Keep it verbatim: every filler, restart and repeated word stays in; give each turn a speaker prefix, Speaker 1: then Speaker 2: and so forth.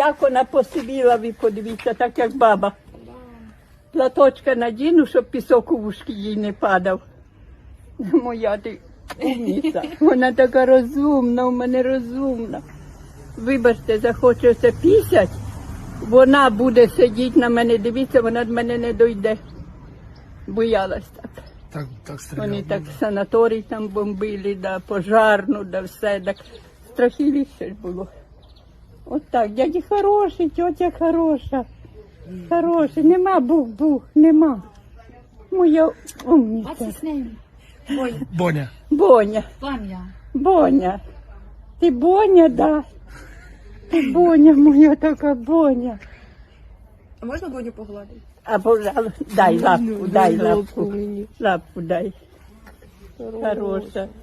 Speaker 1: Як вона посивіла, ви подивіться, так як баба. Платочка надіну, щоб пісок у вушки їй не падав. Моя ти умниця. Вона така розумна, у мене розумна. Вибачте, захочеться пісять, вона буде сидіти на мене, дивіться, вона до мене не дойде. Боялась так.
Speaker 2: Так, так стріляв.
Speaker 1: Вони так санаторій там бомбили, да, пожарну, да все, так страхіліше ж було. От так, дяді хороший, тьотя хороша, хороший, нема бух-бух, нема. Моя умниця.
Speaker 3: What's his name? Boy.
Speaker 2: Боня.
Speaker 1: Боня,
Speaker 3: Vanya.
Speaker 1: Боня. Ти Боня, да. Ти Боня, моя така Боня.
Speaker 4: А можна Боню погладити?
Speaker 1: А, пожалуйста, дай лапку, дай лапку, лапку дай. Хороша.